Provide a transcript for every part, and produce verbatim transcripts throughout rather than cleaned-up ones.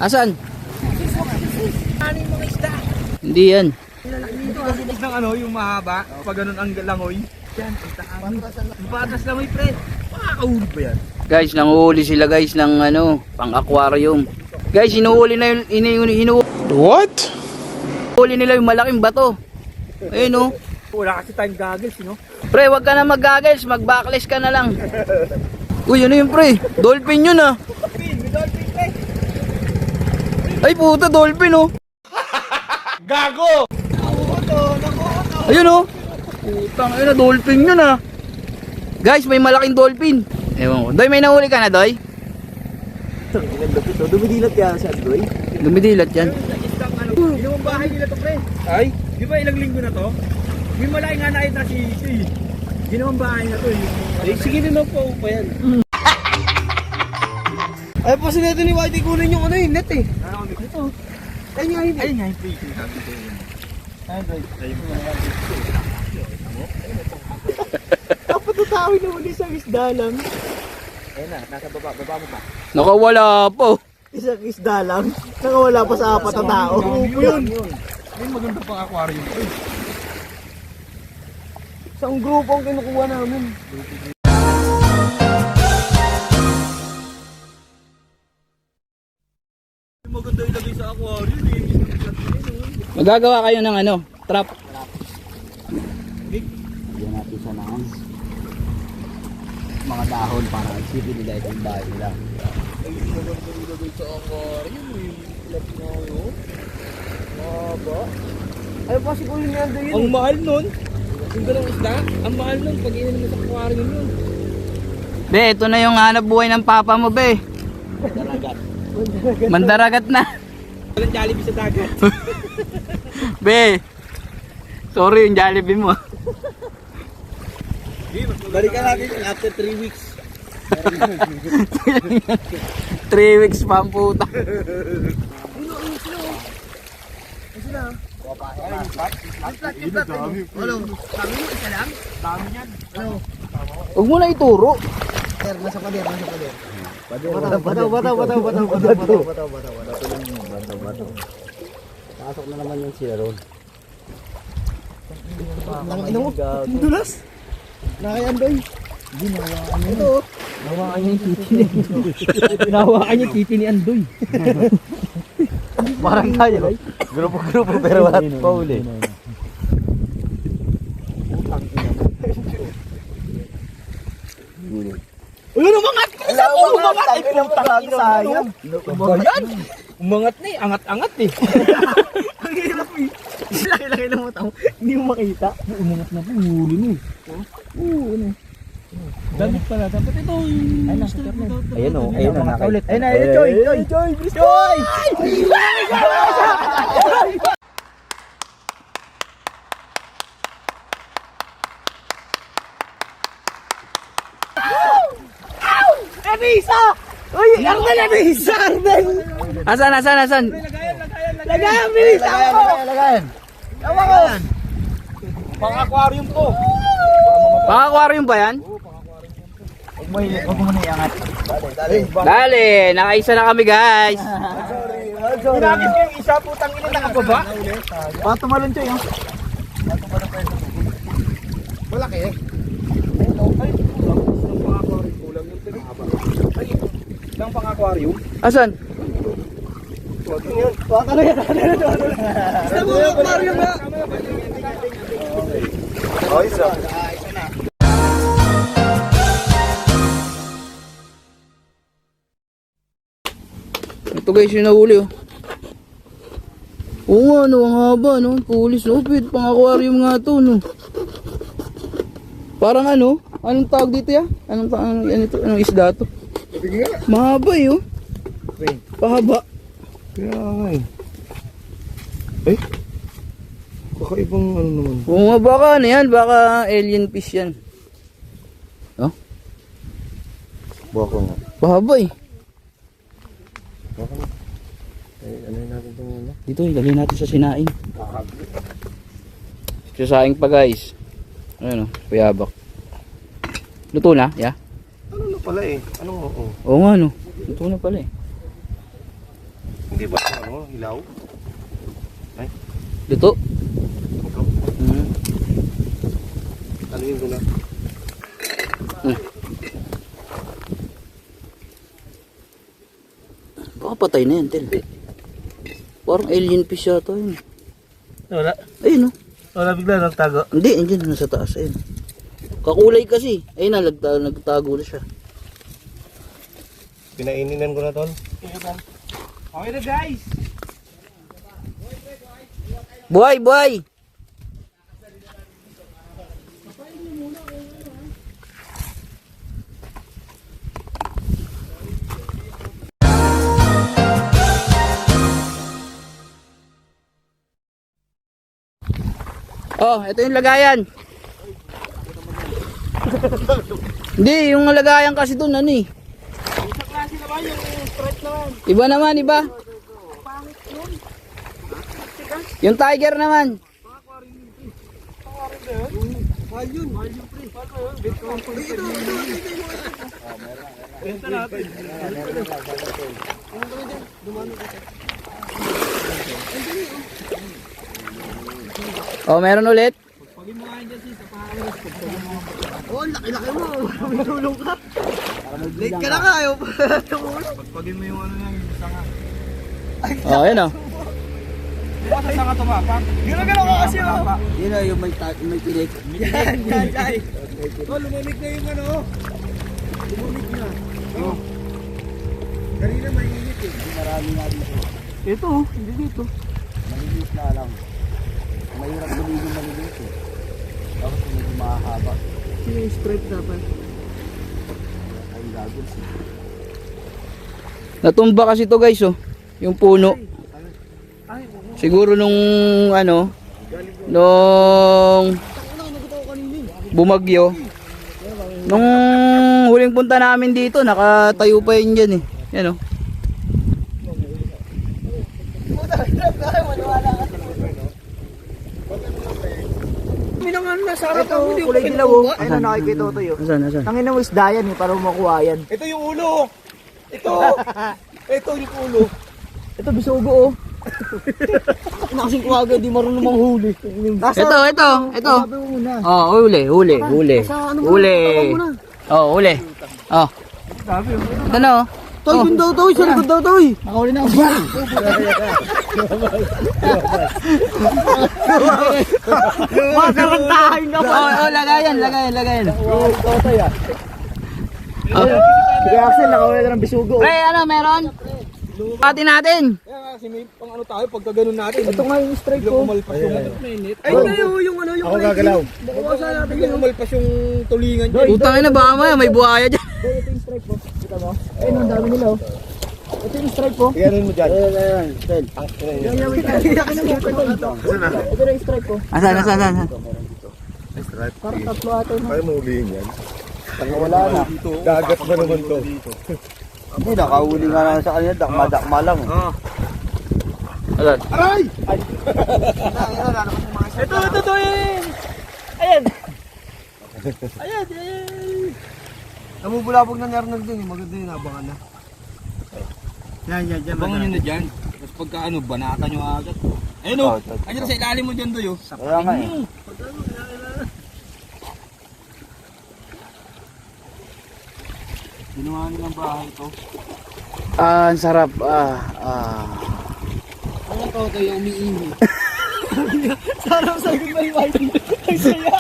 Asan? Ano yung mga isda? Hindi yan. Dito kasi ng ano, yung mahaba, pag ganun ang langoy. Yan, ang taas. Patas langoy, pre. Makakahuli ba yan? Guys, nanguhuli sila guys ng ano, pang aquarium. Guys, inuhuli na yung inu, inu, What? inuhuli nila yung malaking bato. Ayun oh. Wala kasi tayong goggles, no? Pre, wag ka na mag-goggles, mag-backless ka na lang. Uy, ano yun pre? Dolphin yun ah. Dolphin, may dolphin, pre. Ay puta, dolphin oh. Gago! Nakuha nakuha. Ayun oh. Putang ina, dolphin yun ah. Guys, may malaking dolphin. Ewan ko. Doy, may nahuli ka na, Doy? Dumidilat yan sa Doy. Dumidilat yan. Isang ano, ginawang bahay nila to, pre. Ay? Di ba ilang linggo na to? May malaki nga nakita si ito eh. Ginawang bahay na to eh. Eh, sige naman po pa yan. Ay, pa sinito ni Whitey kunin yung ano yung net eh. Ano kami? Ito. Ayun nga yun eh. Ayun nga yun. Ayun nga yun. Dapat tutawin na muli sa isda lang. Ayun na, nasa baba. Baba mo pa. Nakawala po. Isang isda lang. Nakawala pa sa apat na tao. Yun. May maganda pang aquarium. Isang grupo ang kinukuha namin. Maganda ilagay sa aquarium eh. Magagawa kayo ng ano, trap. Big. Bigyan natin siya ng mga dahon para isipin nila itong bahay nila. Ay, maganda ilagay sa aquarium eh. Ilat na yun. Maba. Ay, pa siguro yung nando yun. Ang mahal nun. Yung ganong isda, ang mahal nun pag inan mo sa aquarium yun. Be, ito na yung hanap buhay ng papa mo, be. Daragat. Mandaragat na. Walang Jollibee sa dagat. Be, sorry yung Jollibee mo. Balikan natin after three weeks. three weeks pa ang puta. Ano, ano sila? Ano sila? Ano? Kami mo isa lang? Dami yan. Ano? Huwag mo na ituro. Sir, nasa pader, nasa pader. Bataw, bataw, bataw, bataw, bataw, bataw, bataw, bataw, bataw, bataw, bataw. Pasok na naman yung sila ron. Ang ina mo, dulas. Nakayan doy. Hindi, nawakan niya. Ito. Nawakan niya yung titi ni Andoy. Nawakan niya yung titi ni Andoy. Parang tayo. Grupo-grupo pero wala pa uli. Uy, umangat! Umangat! Ay, pinang sayang. Yan! Umangat na eh. Angat-angat eh. Ang hirap eh. Laki-laki lang mo tao. Hindi mo makita. Umangat na po. Huli mo eh. Oo, ano. Damit pala. Dapat ito yung... Ay, nasa karne. Ayun o. Ayun na nakaulit. Ayun na, ayun, Joy! Joy! Joy! Joy! Anisa! Uy! Arnel! Anisa! Arnel! Asan, asan, asan? Lagayan! Lagayan! Lagayan! Bilis ako! Lagayan. Tawa ko! Pang-aquarium to. Pang-aquarium ba yan? Huwag mo huwag mo na iangat. Dali, nakaisa na kami guys. Ginamit ko yung isa, putang ina nakababa. Baka tumalon siya yun. Malaki eh. Isang pang-aquarium. Asan? Baka na yan. Basta mo aquarium na. Oh, isa. Ito guys yung nahuli oh. Oo nga no, ang haba no. Pulis no, pit, pang aquarium nga to no. Parang ano, anong tawag dito ya? Anong, anong, ano ito, anong isda to? Mahaba eh oh. Pahaba. Kaya nga eh. Eh? Baka ibang ano naman. Oo nga, baka ano yan, baka alien fish yan. Oh, Baka nga. pahaba eh. Baka nga. Eh, ano yun natin itong ano? Dito, ilagay natin sa sinaing. Sa saing pa guys. Ayun o, payabak. Luto na, ya? Ano na pala eh? Anong oo? Oo nga no, luto na pala eh. Hindi ba ito ano, hilaw? Luto. Ito. Hmm. Ano yun ko na? Hmm. Baka patay na yan, Tel. Parang alien fish yata yun. Wala. Ayun oh. Wala bigla nagtago. Hindi, andyan nasa taas. Ayun. Kakulay kasi. Ayun na, nagta nagtago na siya. Pinaininan ko na tol. Okay na guys. Buhay, buhay! Oh, ito yung lagayan. Hindi, yung lagayan kasi doon ano eh. Sa klase naman yung straight naman. Iba naman, iba. Yung tiger naman. Mahal yun. Mahal yun pre. Mahal ba yun? Ito, ito, ito. Ito natin. Oh, meron ulit. Pagin mo nga dyan sis. Oh, laki-laki mo. Matulong ka. Late ka na nga. Ayaw pa tumulong. Pagpagin mo yung ano niya. Yung sanga. Oh, ayun oh. Diba sa sanga tumapak? Gano'n-gano'n ka kasi oh. Yun oh, yung may, may pilik. Yan, yan, yan. Oh, lumamig na yung ano. Lumamig na. Oh. Kanina mainit eh. Marami nga dito. Ito oh, hindi dito. Maliliit na lang. Mahirap gawin yung maliliit eh. Tapos medyo mahahaba. Sino yung straight dapat? Ay gagawin siya. Natumba kasi to guys oh. Yung puno. Ay, oo. Siguro nung ano, nung bumagyo. Nung huling punta namin dito, nakatayo pa yun dyan eh. Yan oh. Minangan na sa harap ako. Ito, kulay dilaw oh. Ayun na nakikita ko to yun. Nasaan, nasaan? Tangin mo isda yan eh, para makuha yan. Ito yung ulo. Ito. Ito yung ulo. Ito, bisugo oh. Nakasing ko agad, di marunong manghuli. Ito, ito, ito. Sabi mo muna. Oh, huli, huli, huli. Sa ano mo? Huli. Oh, huli. Oh. Ito na oh. Toy, Oh. yun daw to, sa likod daw to eh. Nakahuli na ako. Makarantahin na Oh, oh, lagayan, lagayan, lagayan. Oh. Sige Axel, nakahuli na ng bisugo. Pre, ano, meron? Pati natin. Kaya nga kasi may pang ano tayo pagka ganun natin. Ito nga yung strike Biglang ko. umalpas yung mainit. Ay, kayo yung ano yung Ako gagalaw. Bawasan natin biglang umalpas yung tulingan dyan. Utang na ba maya, may buhaya dyan. Boy, ito yung strike ko. Kita mo? Ayun, ang dami nila oh. Ito yung strike ko. Tingnan mo dyan. Ayan, ayan. Tel. Ang tingnan niya. Ayan, wait lang. Iyakin na mo. Ito na yung strike ko. Asan, asan, asan? Stripe. Parang tatlo ata yun. Kaya mo huliin yan. Tanga wala na. Dagat ba naman to? Hindi, nakahuli nga lang sa kanya. Dakma-dakma lang. Asan? Aray! Ito, ito, ito, yan! Ayan! Ayan, ayan! Namubulabog na ni Arnold dun eh. Maganda yun, abangan na. Yan, yan, yan. Abangan nyo na dyan. Tapos pagka ano, banatan nyo agad. Ayun o! Ayun sa ilalim mo dyan doy o. Kaya nga eh. Ginawa nilang bahay ito. Ah, ang sarap. Ah, ah. Ano to, ito yung umiihi. Sarap sa akin may white. Ang saya!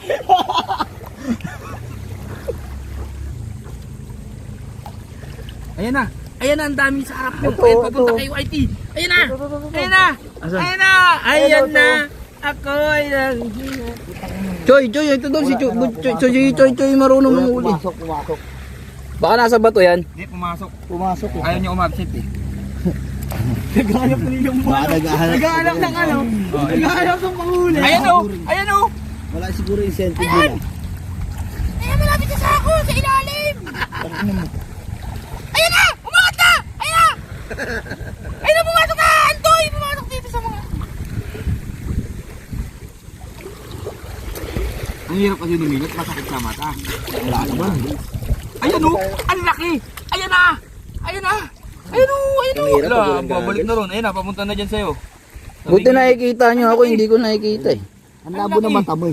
Ayan na! Ayan na, ang dami sa harap nyo. Ito, Ayan, papunta ito. kayo I T. Ayan na! Ayan na! Asan? Ayan na! Ayan na! Ako ay nang... Choy, Choy, ito doon si Choy. Choy, Choy, Choy, Choy, marunong manghuli. Pumasok, pumasok. Baka nasa bato yan. Hindi, pumasok. Pumasok eh. Ayaw niya umabsent eh. Naghahanap na yung mga. Naghahanap ng ano? Naghahanap ng panghuli. Ayan o! Ayan o! Wala siguro incentive nila. Ayan, malapit na sa ako, sa ilalim! Ayan na! Umangat na! Ayan na! Ayan na, pumasok na! Antoy! Pumasok dito sa mga... Ang hirap kasi lumilat, masakit sa mata. Wala naman. Ayan o! Ang laki! Ayan na! Ayan na! Ayun o, ayun o. Ang hirap pag Wala, walang babalik gagas. na ron. Ayun na, papunta na dyan sa'yo. Buti nakikita nyo ako, hindi ko nakikita eh. Ang labo ng mata mo eh.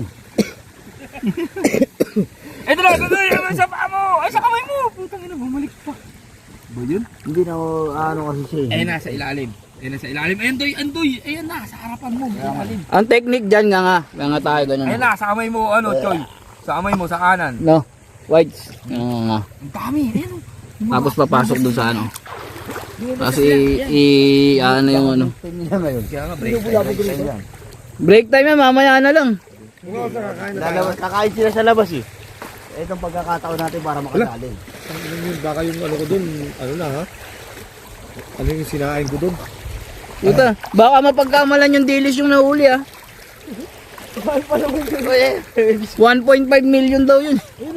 Ito lang, ito lang, sa paa mo. Ay, sa kamay mo. Putang ina, bumalik pa. Ba yun? Hindi na ako, ano kasi siya eh. Ayun na, sa ilalim. Ayun na, sa ilalim. Ayun, doy, andoy. Ayun na, sa harapan mo. Sa ilalim. Ang technique dyan nga nga, nga nga tayo ganun. Ayun na, sa kamay mo, ano, Choy. Sa kamay mo, sa kanan. No, whites. Nga nga. Ang dami, ayun o. Tapos papasok dun sa ano. Tapos i, i, ano yung ano. Tingnan na ngayon. Kaya nga, break. Break time yan, mamaya na lang. Lalabas, kakain sila sa labas eh. Itong pagkakataon natin para makadalin. Baka yung ano ko dun, ano na ha? Ano yung sinain ko dun? Puta, baka mapagkamalan yung dilis yung nahuli ah. one point five million daw yun.